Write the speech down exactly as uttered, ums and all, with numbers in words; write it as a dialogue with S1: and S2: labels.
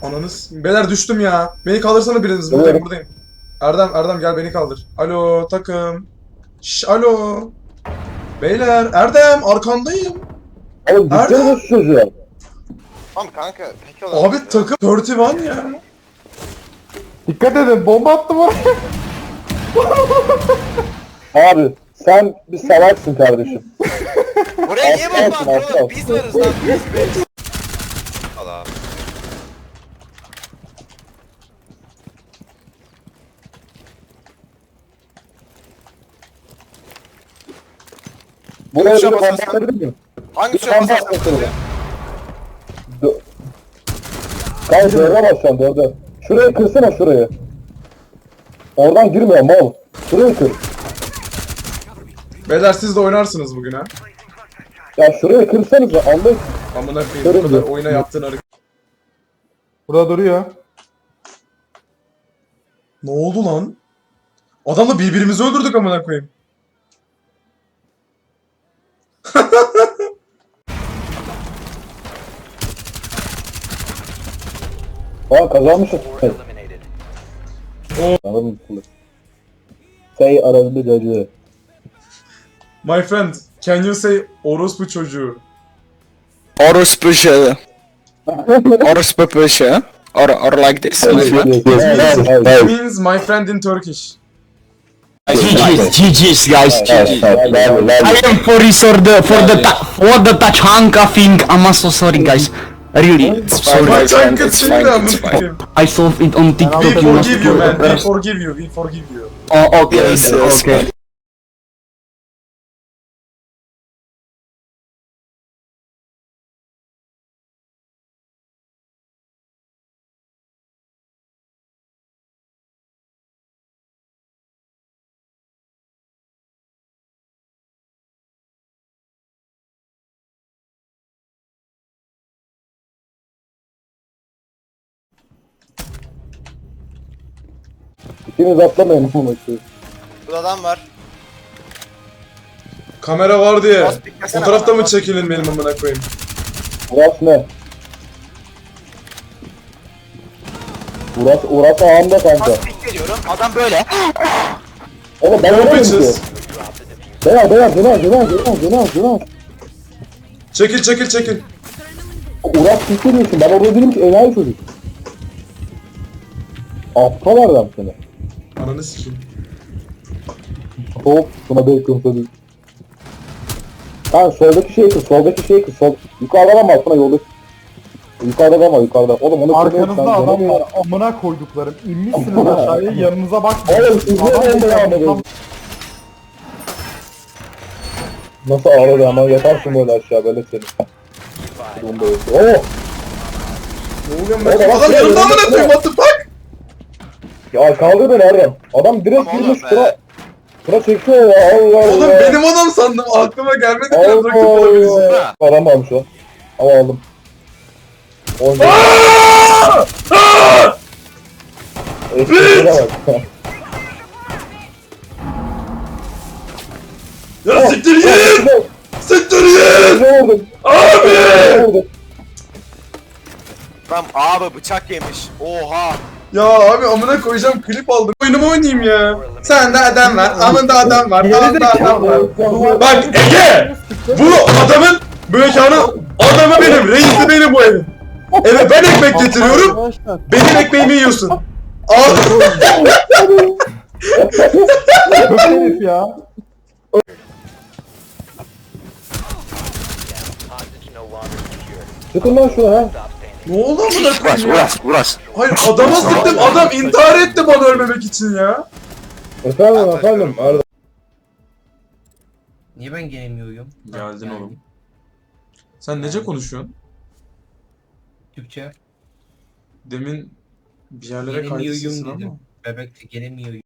S1: Ananız. Beyler düştüm ya. Beni kaldırsana biriniz. Buradayım
S2: Evet.
S1: buradayım. Erdem Erdem gel beni kaldır. Alo takım. Şş alo. Beyler Erdem arkandayım.
S2: Oğlum
S1: Nerede?
S2: gitsene şu çocuğa.
S3: Tamam kanka. Peki olan.
S1: Abi takım kırk bir ya.
S4: Dikkat edin, bomba attım oraya.
S2: Abi sen bir salaksın kardeşim.
S3: Buraya niye bomba
S2: Alsın,
S3: attın
S2: alsın,
S3: oğlum?
S2: alsın.
S3: Biz varız lan biz biz. Al abi.
S2: Buraya bir
S3: Tuşa
S2: bomba
S3: basarsan-
S2: atabilir miyim?
S3: Hangi
S2: Bir
S3: tuşa
S2: bomba
S3: basarsan
S2: atmasana.
S3: buraya?
S2: Dö- Kanka dörde bas şu an dörde. Şurayı kırsana şurayı. Oradan girmiyor mal. Şurayı kır.
S1: Beyler siz de oynarsınız bugün ha.
S2: Ya şurayı kırsanıza Allah.
S1: Amına koyayım bu
S2: Görün
S1: kadar
S2: mü?
S1: oyuna yaptığın hareket.
S4: Burada duruyor.
S1: Ne oldu lan? Adamla birbirimizi öldürdük amına koyayım.
S2: Aa kazanmışız. Anladın mı? Say arasında cacı.
S1: My friend, can you say orospu çocuğu?
S5: Orospu şey. Orospu pöşe. Or, or like this. my friend.
S1: It means my friend in Turkish.
S5: G G's, G G's guys, G G's. I am sorry for the for the ta- for the Tachanka thing. I'm so sorry guys. Really, sorry.
S1: My
S5: my friend,
S1: tank
S5: It's
S1: is
S5: fine,
S1: amına
S5: it's fine.
S1: koyayım.
S5: I saw it on
S1: We
S5: TikTok. You must
S1: forgive you man, we
S5: do.
S1: forgive you, we forgive you.
S5: Oh, okay,
S3: Yes,
S5: okay,
S3: yes,
S5: okay.
S2: İkiniz atlamayın bu maçı.
S3: Burada adam var.
S1: Kamera var diye.
S3: Bas, beklesene
S1: Fotoğrafta
S3: bana,
S1: mı
S3: bas.
S1: çekilin benim amına koyayım?
S2: Uras ne? Uras, Uras ağamda kanka.
S3: Pas veriyorum. Adam böyle.
S2: Oğlum ben
S1: Yo
S2: öyle ki.
S1: bitches.
S2: Beyaz beyaz beyaz beyaz beyaz beyaz beyaz.
S1: Çekil çekil çekil.
S2: Uras tutturuyorsun. Ben orada değilim ki enayi çocuk. Aptal adam seni.
S1: Ananı sikeyim.
S2: Hop buna bacon tadı. Ha soldaki şey kır, soldaki şey kır, sol. Yukarıda ama altına yolda. Yukarıda da ama yukarıda. Oğlum onu kırmıyorsun.
S4: Arkanızda adam var. Amına koyduklarım. İnmişsiniz aşağıya, yanınıza bakmayın.
S2: Oğlum siz ne
S4: Adam
S2: oldu ya?
S4: tam-
S2: Nasıl ağladı ama yatarsın böyle aşağı böyle seni. Bunda yok. Oh!
S1: Ne oluyor
S2: Oğlum,
S1: lan? Adam
S2: bak,
S1: yanımda
S2: bak,
S1: amına
S2: bak.
S1: koyayım, what the fuck?
S2: Ya kaldır beni Erdem. Adam direkt
S3: Tamam
S2: girmiş
S3: oğlum be.
S2: sıra. Sıra çekiyor ya Allah Allah.
S1: Oğlum benim adam sandım, aklıma gelmedi ki
S2: Allah
S1: bırakıp olabileceğim.
S2: Allah. Param almış o. Ama aldım. Oyuncu. Eskiye bak.
S1: Ya siktir git! Siktir git!
S2: Ne oldu?
S1: Abi!
S2: Ne oldu?
S3: Tam abi bıçak yemiş. Oha.
S1: Ya abi amına koyacağım, klip aldım. Oyunumu oynayayım ya. Sende adam var, amında adam var, amında adam var. Bak Ege! Bu adamın, bu mekanın adamı benim, reisi benim bu evin. Eve ben ekmek getiriyorum,
S4: Arkadaşlar.
S1: benim ekmeğimi yiyorsun. Al.
S4: Kötü herif ya.
S2: Çıkın lan şuna ha.
S1: Ne oldu amına
S5: Uras,
S1: koyayım ya?
S5: Uras, Uras.
S1: Hayır adama sıktım, adam intihar etti bana ölmemek için ya.
S2: Efendim efendim Erdem.
S6: Niye ben gelemiyorum?
S1: Geldin
S6: Yani
S1: oğlum. Sen nece konuşuyorsun?
S6: Türkçe.
S1: Demin bir yerlere kaydı sesin
S6: Gelemiyorum
S1: ama.
S6: dedim. Bebekte gelemiyorum.